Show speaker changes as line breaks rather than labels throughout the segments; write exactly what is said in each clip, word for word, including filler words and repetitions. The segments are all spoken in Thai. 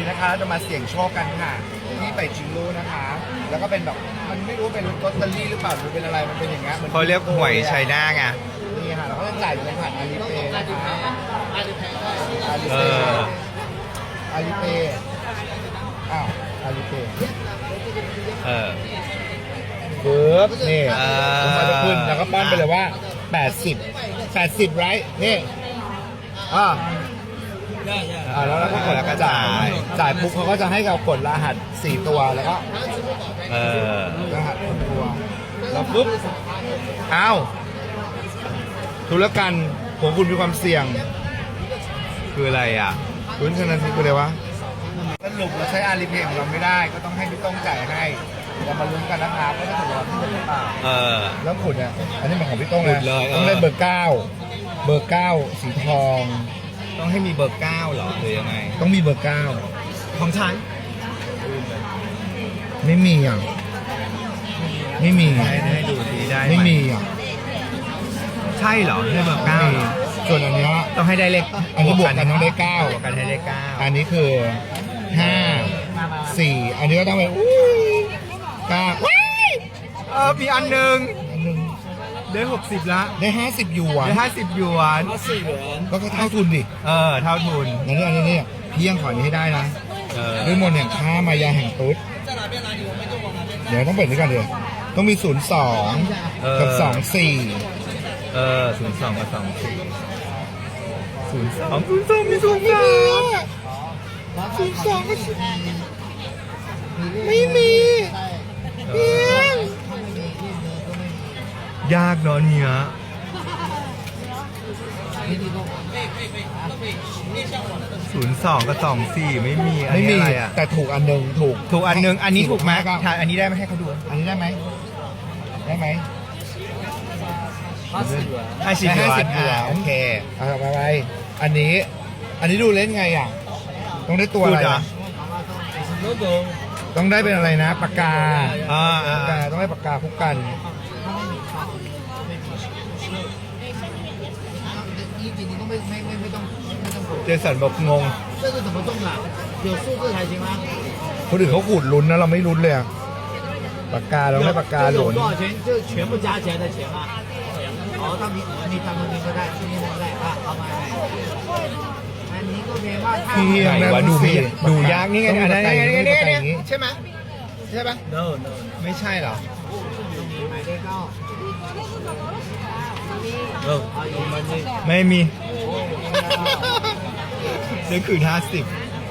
นะคะเราจะมาเสี่ยงโชคกันค่ะที่ไปจิงลูนะคะ แล้วก็เป็นแบบมันไม่รู้เป็นลอตเตอรี่หรือเปล่าหรือเป็นอะไรมันเป็นอย่างเงี้ยมัน
เขาเรียกหวยไชน่าไง
นี่ค่ะเราก็จะจ่ายอยู่ในผ่านอาลีเปย์นะคะอาลี
เอ
เปย์
อ
อาลีเปย์อ้าวอาลีเปย์
เออ
ปึ๊บนี่
อ่า
ผมมาจะขึ้นแล้วก็ป้อนไปเลยว่าแปดสิบ แปดสิบไรนี่อ่าอ่าแล้วเราก็กด
แล้วก็
จ่า
จ่าย
ยจ่ายปุ๊บเขาก็จะให้เรากดรหัสสี่ตัวแล้วก็
เออ
รหัสหนึ่งตัวแล้วปุ๊บอ้าวธุรกันของคุณมีความเสี่ยง
คืออะไรอ่ะ
คุณชนะทีคืออะไรวะสรุปเราใช้อาลีเพย์ของเราไม่ได้ก็ต้องให้พี่ต้องจ่ายให้เรามาลุ้นกันนะครับว่าจะถูกรางวัลที่หนึ่งหรือเปล่า
เออ
แล้วขุดเนี่ยอันนี้เป็นของพี่ต้อง
ขุ
นะ
ดเลยเออ
ต้องได้เบอร์เก้าเบอร์เก้าสีทอง
ต้องให้มีเบอร์เก้าเหรอหรือยังไง
ต้องมีเบอร์เก้า
ของฉัน
ไม่มีอ่ะไม่มี
ให้ให้ดูดีได้ห
ไม่มีอ่ะ
ใช่เหรอให้เบอร์เก้า
ไม่มีส่วนอันเนี้ย
ต้องให้ได้เลข
อันนี้บวกกันต้องได้เก้า
บวกกันให้ได้เก้า
อันนี้คือห้าสี่อันนี้ก็ต้องเป็นอุ้ยเก้าว้าย
เออมีอันหนึ่ง
อันหนึง
ได้หกสิบละ
ได้ห้าสิบหยวน
ได้ห้าสิบหยวน
ก็เท่าทุนดิ
เออเท่าทุน
อันนี้อันนี้เนี่ยพี่ยังขออันนี้ให้ได้นะ
เออ
ด้วยมนต์แห่งข้ามายาแห่งตุ๊ดเดี๋ยวต้องเปิดนี้ก่อนเดี๋ยวต้องมีศูนย์สองกับสองสี่
เออศูนย์สองกับสองสี่ศูนย์สองศูนย์สองมีศูนย์สาม
ศูนย์สองก็ไม่มี
เออยากเนอะเนี่ยศูนย์สองกับสองสี่ไม่มีอัน
ไม่
นี้
มี
อะไรอ่ะ
แต่ถูกอันหนึ่งถูก
ถูกอันหนึงอันนี้ถูกไหม
ก็
ถ่ายอันนี้ได้ไหมให้เขาดู
อันนี้ได้ไหมได้ไหม
ห้าสิบหย
ได้
วน
ห้าสิบหยวน
อ่ะโอเค
เอาไปไปอันนี้ อันนี้ดูเล่นไงอ่ะต้องได้ตัวอะไร
พูดเหรอ
นะต้องได้เป็นอะไรนะปากกา
อ่าอ่า
ปากกาต้องได้ปากกาคุกกัน
เจสันบอกงง
这是怎么动的？有数字才行吗？
คนอื่นเขาขูดลุ้นนะเราไม่ลุ้นเลยอะปากกาเราได้ปากกา
这
ห
有
ลุ้น
多少钱？就全部加起来的钱吗？哦，他明你他们明白带，明白带啊，好买买。哎，你个棉花太
พี่ยัง
ไหน
ได้
วะดูไม่
สิ
ดูยากนี่ไง
ต้อง
อัน
มี
นั้น
ปากกา
นี่
อย่าง
ไง
นี้
นี่
มี
ไง
ปากกาอย่างนี้
ใช่ไหมใช่ปะ
，no no，
ไม่ใช่เหรอ
买最高。
เออ
啊，有吗？你
ไม่มีเดี๋ยวคืนห้าสิบ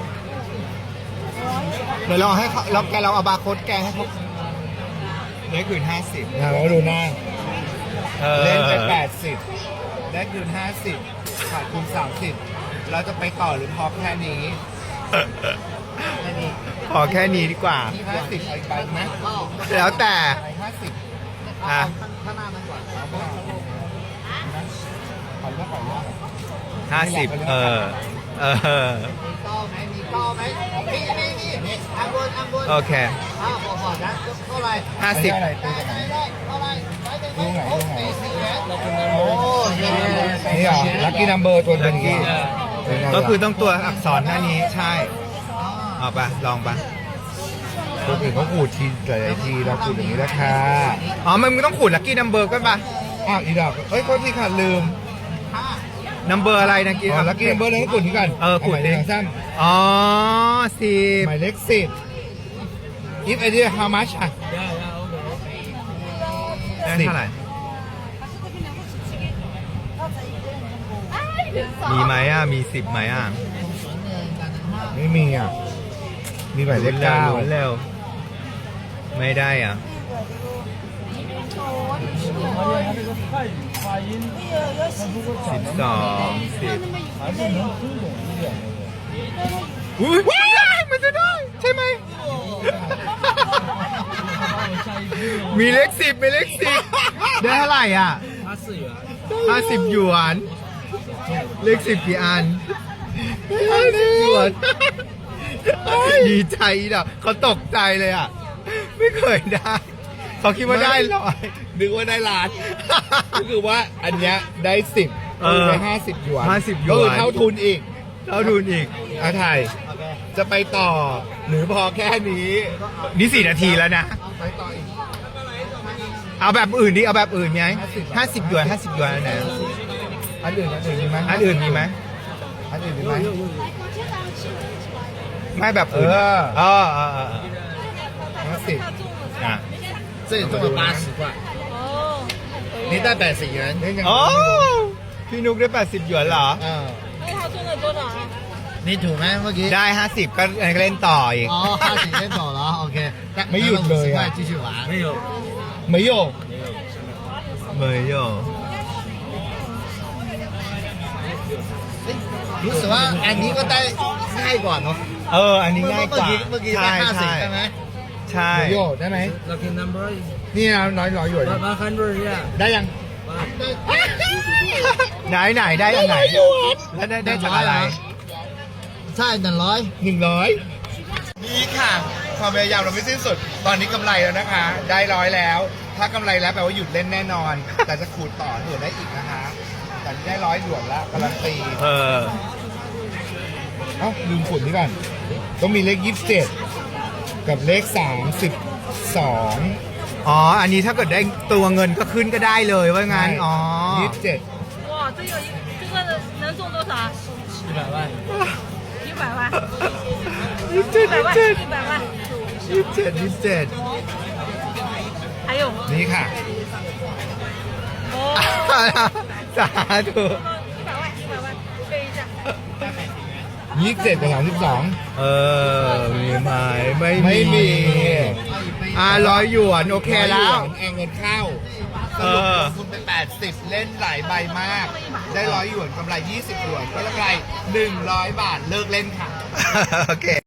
เดี๋ยวเราให้เขาเราแกเราเอาบาร์โค้ดแกให้เขาเดี๋ยวคืนห้าสิบ
นะเราดูหน้า
เออ
เล่นไปแปดสิบได้คืนห้าสิบขาดทุนสามสิบเราจะไปต่อหรือพอแค่นี้แค่นี้
ขอแค่นี้ดีกว่า
ห้าสิบเอาอีกใบไหม
แล้วแต่
ห้าสิบ
อ่ะ
看那门管。
ขอเลือกขอเลือก
ห้าสิบเออ เออ
你高没？你高没？你你你，按过按过。
โอเค
啊，好好，咱过来。
ห้าสิบ
อะไร
来
ตัวไหน
来来，过来，来点
ลูกไหนลูกไหน
哦，
นี่เหรอลัคกี้นัมเบอร์ตัวเป็นอย่างนี้เป็นไงล่ะ
ก็คือต้องตัวอักษรแค่นี้ใช่ เอาไปลองไป
คนอื่นเขาขูดทีหลายๆทีเราขูดอย่างนี้แล้วค่ะ
อ๋อ มันไม่ต้องขูดลักกี้นัมเบอร์ก็ป่ะ
อ้าวอีดอกเอ้ยโทษทีค่ะลืม
นัมเบอร์อะไรนะกี้
อ๋อลัคกี้นัมเบอร์เลยให้ขูดนี้ก่อน
เออขูด
หมายเล
ดิ
ขสั้น
อ๋อสิบ
หมายเลขสิบ if idea how much อ่ะ
ได้เท่าไหร่ มีไหมอ่ะ มีสิบไหมอ่ะ
ไม่มีอ่ะ มีหมายเลขเก้า
ลุ้นเร็ว ไม่ได้อ่ะ สิบสองสิบอุ้ยว้ายมันจะได้ ใช่ไหม มีเลขสิบมีเลขสิบได้เท่าไหร่อ่ะ
他是元。
ห้าสิบหยวน เลขสิบกี่อันห้าสิบหยวน ดีใจอ่ะเขาตกใจเลยอ่ะ ไม่เคยได้ เขาคิดว่าได้ร้อย
นึกว่าได้ล้าน ก็คือว่าอันเนี้ยได้สิบ
เออ
ได้ห้าสิบหยวน
ห้าสิบหยวน
ก็คือเท่าทุนอีก
เท่าทุนอีก
อาถ่ายจะไปต่อ หรือพอแค่นี้
นี่สี่นาทีแล้วนะ
ไปต่ออีก
เอาแบบอื่นดิเอาแบบอื่นไหมห้าสิบหยวนห้าสิบหยวนอันไหน
อันอื่นอันอื่นมีไหม
อันอื่นมีไหม
อันอื่นมีไหม
ไม่แบบอื่น
เออ
เออเออเออ
ห้าสิบ
อ่ะ
这里中了八十块，
哦，
你带百十元。
นี่ยัง
โอ้พี่นุกได้แปดสิบหยวนเหรอ
嗯，
那他中了多少啊？
你ถูกไหมเมื่อกี้
ได้ห้าสิบก็เล่นต่ออีก
อ๋อห้าสิบเล่นต่อแล้วโอเค
ไม่หยุดเลยอะ
继续玩没有
ไม่โยก
เมยโย
รู้สึกว่าอันนี้ก็ได้ง่ายกว่าเนาะ
เออ อันนี้ง่ายกว่า
เมื่อกี้
ใช่
ได้ห้าสิบ
ใช่
ใช่ไหม
ใช่
ไม่โยกได้ไหม
lucky number
นี่นะน้อยร้อยหยวน
one hundred เนี่ย
ได้ยัง
ไหนไหนได้อันไหนแล้วได้ได้จากอะไร
ใช่หนึ่งร้อย
หนึ่งร้อยนี่ค่ะ ความพยายามเราไม่สิ้นสุด ตอนนี้กำไรแล้วนะคะ ได้ร้อยแล้ว ถ้ากำไรแล้วแปลว่าหยุดเล่นแน่นอน แต่จะขูดต่อเผื่อได้อีกนะคะแต่นี่ได้ร้อยหยวนแล้วการันตี
เออ
เอ้าลืมขูดนี่ก่อนต้องมีเลขยี่สิบเจ็ดกับเลขสามสิบสอง
อ๋อ อันนี้ถ้าเกิดได้ตัวเงินก็ขึ้นก็ได้เลยว่างั้น อ๋อ
ยี่สิบเจ็ด
哇，这个一这个能中多少啊？
一百万
一百万，
ยี่สิบเจ็ด
一百万，一百万，
ยี่สิบเจ็ดยี่สิบเจ็ด
还有
นี่ค่ะ
哦，
สาธุ
一百万，一百万，背一下。
ยี่สิบเจ็ดกับสามสิบสอง
เออ มีไหมไม่
ไม่มี
อ่าร้อยหยวนโอเคแล้ว
เอาเงินเข้าส
เอ
รุป
อ
ลงทุนไปแปดสิบเล่นหลายใบมาก ได้ร้อยหยวนกำไรยี่สิบหยวนก็กำไรหนึ่งร้อยบาทเลิกเล่นค่ะ
โอเค